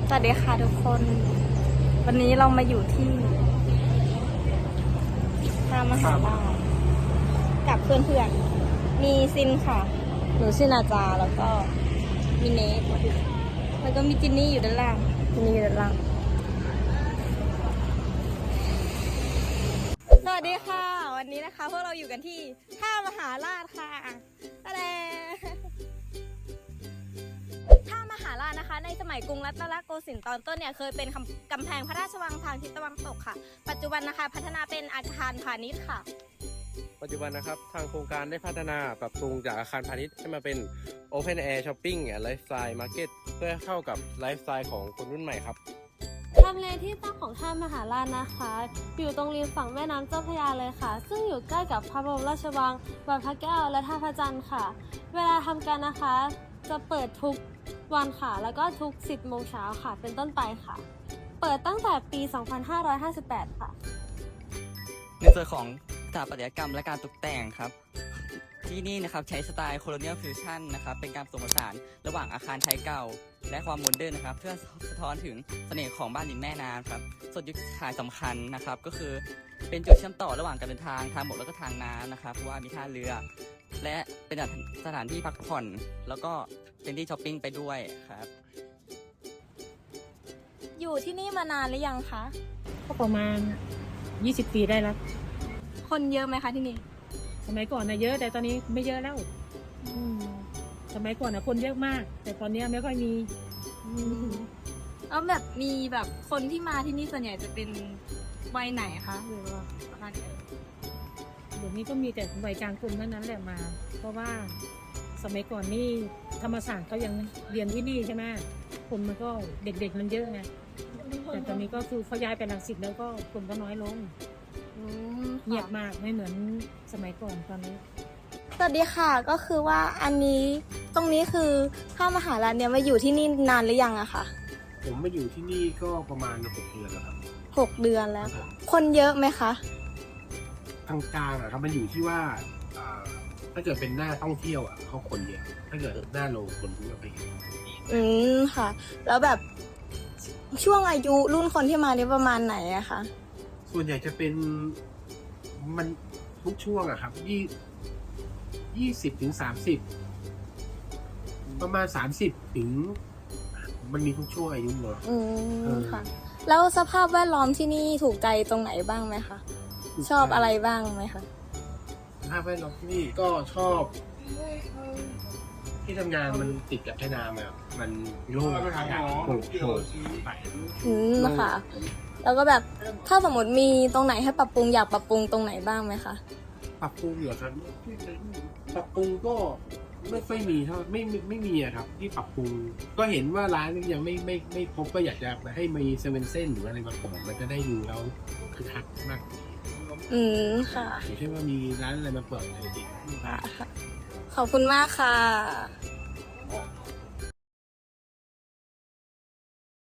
สวัสดีค่ะทุกคน วันนี้เรามาอยู่ที่ท่ามหาลัยกับเพื่อนๆ มีซินค่ะ หนูชื่อนาจาแล้วก็มีเนทแล้วก็มีจินนี่อยู่ด้านล่างจินนี่อยู่ด้านล่าง สวัสดีค่ะ วันนี้นะคะพวกเราอยู่กันที่ท่ามหาราชค่ะอะไรท่ามหาราชนะคะในสมัยกรุงรัตนโกสินทร์ตอนต้นเนี่ยเคยเป็นกำแพงพระราชวังทางทิศตะวันตกค่ะ ปัจจุบันนะคะพัฒนาเป็นอาคารพาณิชย์ค่ะปัจจุบันนะครับทางโครงการได้พัฒนาปรับปรุงจากอาคารพาณิชย์ให้มาเป็น Open Air Shopping and Lifestyle Market เพื่อเข้ากับไลฟ์สไตล์ของคนรุ่นใหม่ครับทำเลที่ตั้งของท่ามหาราชนะคะ อยู่ตรงริมฝั่งแม่น้ำเจ้าพระยาเลยค่ะ ซึ่งอยู่ใกล้กับพระบรมราชวังวัดพระแก้วและท่าพระจันทร์ค่ะ เวลาทำการนะคะจะเปิดทุกวันค่ะ แล้วก็ทุก 10 โมงเช้าค่ะ เป็นต้นไปค่ะ เปิดตั้งแต่ปี 2558 ค่ะในส่วนของสถาปัตยกรรมและการตกแต่งครับ ที่นี่นะครับใช้สไตล์โคโลเนียลฟิวชั่นนะครับเป็นการผสมผสานระหว่างอาคารไทยเก่า และความโมเดิร์นนะครับเพื่อสะท้อนถึงเสน่ห์ของบ้านริมแม่น้ำครับส่วนจุดขายสำคัญนะครับก็คือเป็นจุดเชื่อมต่อระหว่างการเดินทางทางบกแล้วก็ทางน้ำนะครับเพราะว่ามีท่าเรือ และเป็นสถานที่พักผ่อน แล้วก็เป็นที่ช้อปปิ้งไปด้วยครับอยู่ที่นี่มานานหรือยังคะก็ประมาณ20 ปีได้แล้วคนเยอะไหมคะที่นี่สมัยก่อนนะเยอะแต่ตอนนี้ไม่เยอะแล้วสมัยก่อนนะคนเยอะมาก แต่ตอนนี้ไม่ค่อยมีแล้วแบบมีแบบคนที่มาที่นี่ส่วนใหญ่จะเป็นวัยไหนคะหรือว่าประมาณไหนเดี๋ยวนี้ก็มีแต่วัยกลางคนเท่านั้นแหละมา เพราะว่าสมัยก่อนนี่ธรรมศาสตร์เขายังเรียนที่นี่ใช่ไหมคนมันก็เด็กๆมันเยอะไงแต่ตอนนี้ก็คือเขาย้ายไปรังสิตแล้วก็คนก็น้อยลงเงียบมากไม่เหมือนสมัยก่อนตอนนี้สวัสดีค่ะก็คือว่าอันนี้ตรงนี้คือท่ามหาลัยเนี่ยมาอยู่ที่นี่นานหรือยังอะคะผมมาอยู่ที่นี่ก็ประมาณ6 เดือนแล้วครับ 6 เดือนแล้ว คนเยอะไหมคะกลางๆอะครับมันอยู่ที่ว่าถ้าเกิดเป็นหน้าท่องเที่ยวอะเขาคนเยอะถ้าเกิดหน้าโรงคนไม่ไปเยอะค่ะ แล้วแบบช่วงอายุรุ่นคนที่มานี่ประมาณไหนอะคะส่วนใหญ่จะเป็นมันทุกช่วงอะครับ20 ถึง 30ประมาณ30 ถึงมันมีทุกช่วงอายุเลยค่ะ แล้วสภาพแวดล้อมที่นี่ถูกใจตรงไหนบ้างไหมคะ ชอบอะไรบ้างไหมคะสภาพแวดล้อมที่นี่ก็ชอบที่ทำงานมันติดกับแม่น้ำอะมันโล่งอากาศโปร่งไปค่ะ แล้วก็แบบถ้าสมมติมีตรงไหนให้ปรับปรุงอยากปรับปรุงตรงไหนบ้างไหมคะปรับปรุงเหรอครับปรับปรุงก็ไม่ค่อยมีเท่าไม่มีอะครับที่ปรับปรุงก็เห็นว่าร้านยังไม่พบก็อยากจะให้มีเซเว่นเส้นหรืออะไรมาเปิดมันจะได้ดูแล้วคือคักมากค่ะอย่างเช่นว่ามีร้านอะไรมาเปิดอะไรดีขอบคุณมากค่ะ